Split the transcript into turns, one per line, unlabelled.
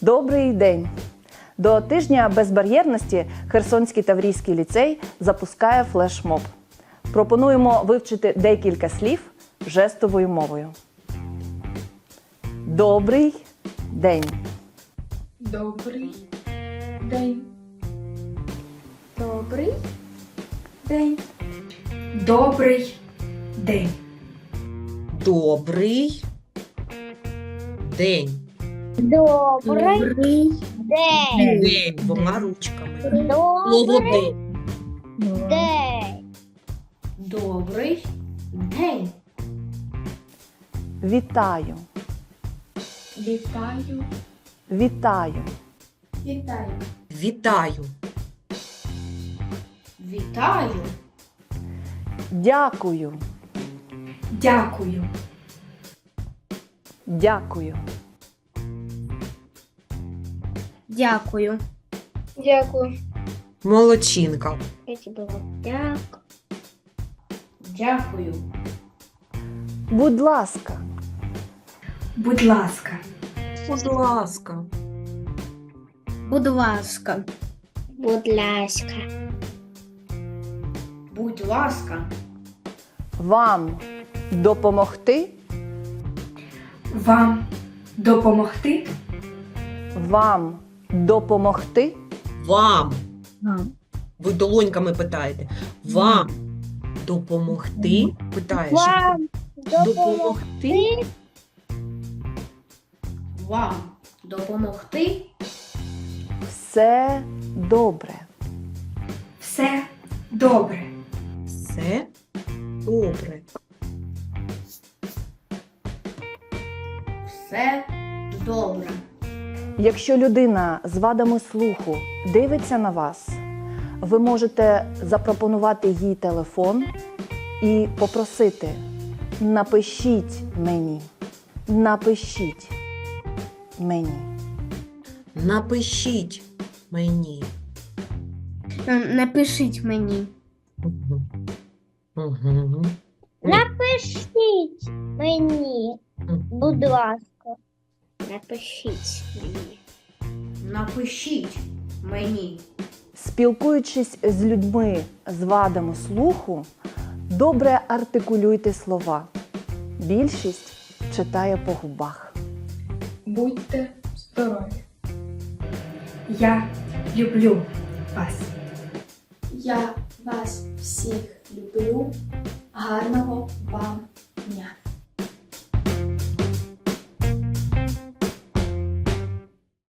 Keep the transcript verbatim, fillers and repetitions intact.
Добрий день! До тижня безбар'єрності Херсонський Таврійський ліцей запускає флешмоб. Пропонуємо вивчити декілька слів жестовою мовою. Добрий день!
Добрий день. Добрий день. Добрий день.
Добрий день.
Добрий день.
День двома ручками. Слово
Добрий
день.
день.
Добрий день.
Вітаю!
Вітаю.
Вітаю!
Вітаю.
Вітаю.
Вітаю.
Дякую!
Дякую.
Дякую!
Дякую. Дякую.
Молодчинка.
Я тебе дякую.
Дякую.
Будь ласка!
Будь ласка.
Будь ласка.
Будь ласка. Будь ласка.
Будь ласка.
Вам допомогти?
Вам допомогти?
Вам допомогти?
Вам.
Вам.
Ви долоньками питаєте. Вам допомогти? Питаєш.
Вам
Допомогти?
Вам допомогти?
Все добре.
Все добре.
Все добре.
Все добре.
Якщо людина з вадами слуху дивиться на вас, ви можете запропонувати їй телефон і попросити: напишіть мені, напишіть мені.
Напишіть мені.
Напишіть мені.
Угу. Угу.
Напишіть мені. Будь ласка. Напишіть мені.
Напишіть мені.
Спілкуючись з людьми з вадами слуху, добре артикулюйте слова. Більшість читає по губах.
Будьте здорові. Я люблю вас.
Я вас всіх люблю. Гарного вам дня!